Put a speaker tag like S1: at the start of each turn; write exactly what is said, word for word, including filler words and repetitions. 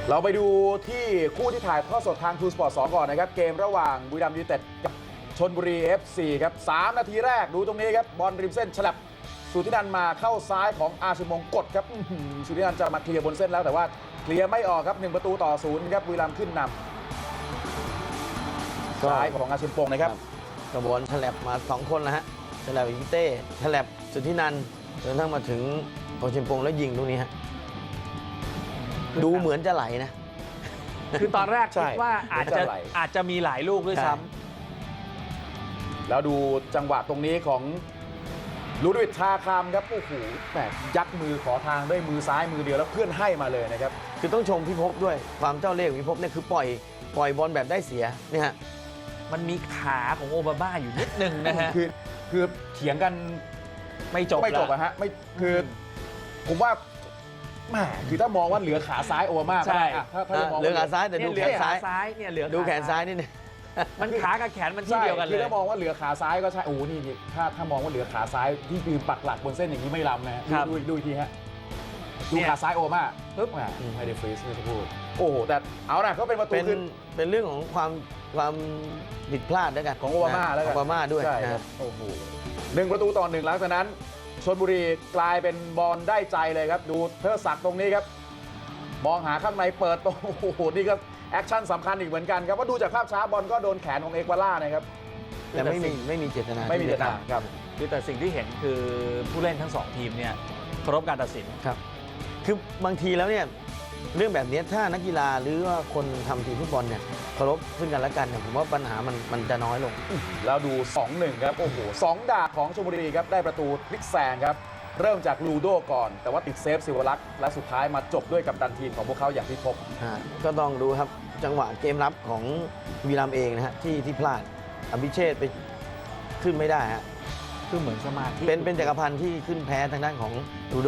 S1: เราไปดูที่คู่ที่ถ่ายทอดสดทางทูสปอร์ตสองก่อนนะครับเกมระหว่างบุรีรัมย์ยูไนเต็ดกับชลบุรี เอฟ ซี ครับสามนาทีแรกดูตรงนี้ครับบอลริมเส้นฉลับสุธินันท์มาเข้าซ้ายของอาชิมงกดครับสุธินันท์จะมาเคลียร์บนเส้นแล้วแต่ว่าเคลียร์ไม่ออกครับหนึ่งประตูต่อศูนย์ครับบุรีรัมย์ขึ้นนำซ้ายของอาชิมปงนะครับ
S2: กระบวนฉลับมาสองคนนะฮะฉลับอิงเต้ฉลับสุทธินันท์จนกระทั่งมาถึงโอชิมปงแล้วยิงตรงนี้ฮะดูเหมือนจะไหลนะ
S3: คือตอนแรก
S1: ใช่
S3: คิดว่าอาจจะ
S1: จะไหล
S3: อาจจะมีหลายลูกด้วย
S2: ใช่
S3: ซ้
S1: แล้วดูจังหวะตรงนี้ของลูดวิดชาคามครับโอ้โหแหมยัดมือขอทางด้วยมือซ้ายมือเดียวแล้วเพื่อนให้มาเลยนะครับ
S2: คือต้องชมพี่ภพด้วยความเจ้าเล่ห์ของพี่ภพเนี่ยคือปล่อยปล่อยบอลแบบได้เสียเนี่ยฮะ
S3: ำมันมีขาของโอบามาอยู่นิดนึงนะฮะ
S1: คือคือเถียงกัน
S3: ไม่จบ
S1: ไม่จบ
S3: ละ
S1: อะฮะไม่คือผมว่าแหมคือถ้ามองว่าเหลือขาซ้ายโอมาก็ได้อะถ้าถ้าจะมอง
S2: เหลือ
S1: ว่า
S2: ขาซ้ายแต่ดู
S3: เนี่ยเห
S2: แข
S3: ลือน
S2: ซ้าย
S3: ซ้ายเนี่ยเหลือ
S2: ดูแขน
S3: ข
S2: ซ้ายนิดนึง
S3: มันขากับแขนมันที่
S1: ใช่
S3: เดียวกันเล
S1: คือย ถ้ามองว่าเหลือขาซ้ายก็ใช่โอ้นี่นี่ถ้าถ้ามองว่าเหลือขาซ้ายที่ยืนปักหลักบนเส้นอย่างนี้ไม่ล้ำนะฮะ
S3: ครับ
S1: ดูดูดูอีกทีฮะดู
S3: เนี่ย
S1: ขาซ้ายโอมาปึ๊บแหม
S2: อืม
S1: ไม่ได้ฟรีสไม่ได้พูดโอ้โหแต่เอานะก็เป็นประตู
S2: เป็น
S1: ขึ้น
S2: เป็นเรื่องของความความผิดพลาดด้วยกัน
S1: ของโอบามาแล้วกัน
S2: โอบามาด้วย
S1: ใช่ค
S2: นะ
S1: รับโอ้โหหนึ่งประตูต่อหนึ่งหลังจากนั้นชลบุรีกลายเป็นบอลได้ใจเลยครับ ดูเทอศักดิ์ตรงนี้ครับ มองหาข้างในเปิดตรงโอ้โหนี่ก็แอคชั่นสำคัญอีกเหมือนกันครับว่าดูจากภาพช้าบอลก็โดนแขนของเอกวาล่านะครับ
S2: แต่ไม่มีไม่มีเจตนา
S1: ไม่มีเจตนาครับ
S3: คือแต่สิ่งที่เห็นคือผู้เล่นทั้งสองทีมเนี่ยเคารพการตัดสิน
S2: ครับ คือบางทีแล้วเนี่ยเรื่องแบบนี้ถ้านักกีฬาหรือว่าคนทำทีมฟุตบอลเนี่ยเคารพซึ่งกันและกันเนี่ยผมว่าปัญหามันมันจะน้อยลง
S1: แล้วดู สองหนึ่ง ครับ โอ้โหสองดาบของชลบุรีครับ ได้ประตูพลิกแซงครับ เริ่มจากลูโดก่อน แต่ว่าติดเซฟศิวรักษ์และสุดท้ายมาจบด้วยกัปตันทีมของพวกเขาอย่างที่พบ
S2: อ่าก็ต้องดูครับจังหวะเกมรับของวีรัมย์เองนะฮะที่ที่พลาดอภิเชษฐ์ไปขึ้นไม่ได้ฮะ
S3: คือเหมือนสมาธิ
S2: เป็นเป็นจักรพันธ์ที่ขึ้นแพ้ทางด้านของลู